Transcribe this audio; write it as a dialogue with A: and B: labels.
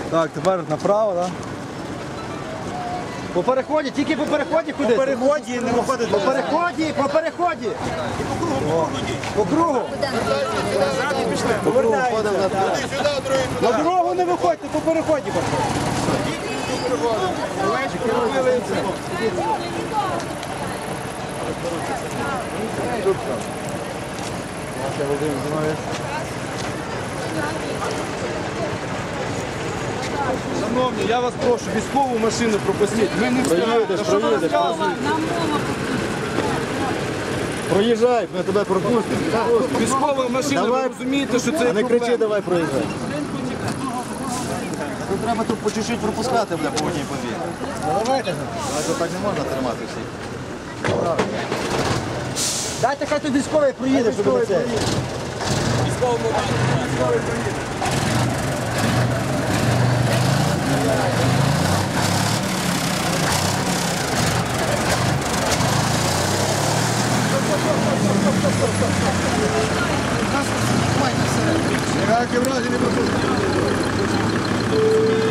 A: Так, тепер направо, так?
B: По переході, тільки по переході ходити.
A: По переході не виходить.
B: По переході, по переході. По кругу.
A: На дорогу не виходьте, по переході. Шановні, я вас прошу, військову машину пропустіть. Ми не
C: Проїдеш. Проїжджай, ми тебе пропустимо.
A: Військова машина, ви розумієте, що це
C: Не кричи,
A: проблема.
C: давай проїжджай. Тут треба тут по чуть-чуть пропускати, бля, по одній подві.
B: Давайте.
C: Так не можна тримати всіх.
B: Дайте, хай тут військовий проїде, щоб на це.
A: Ніякі врази не пропустіть.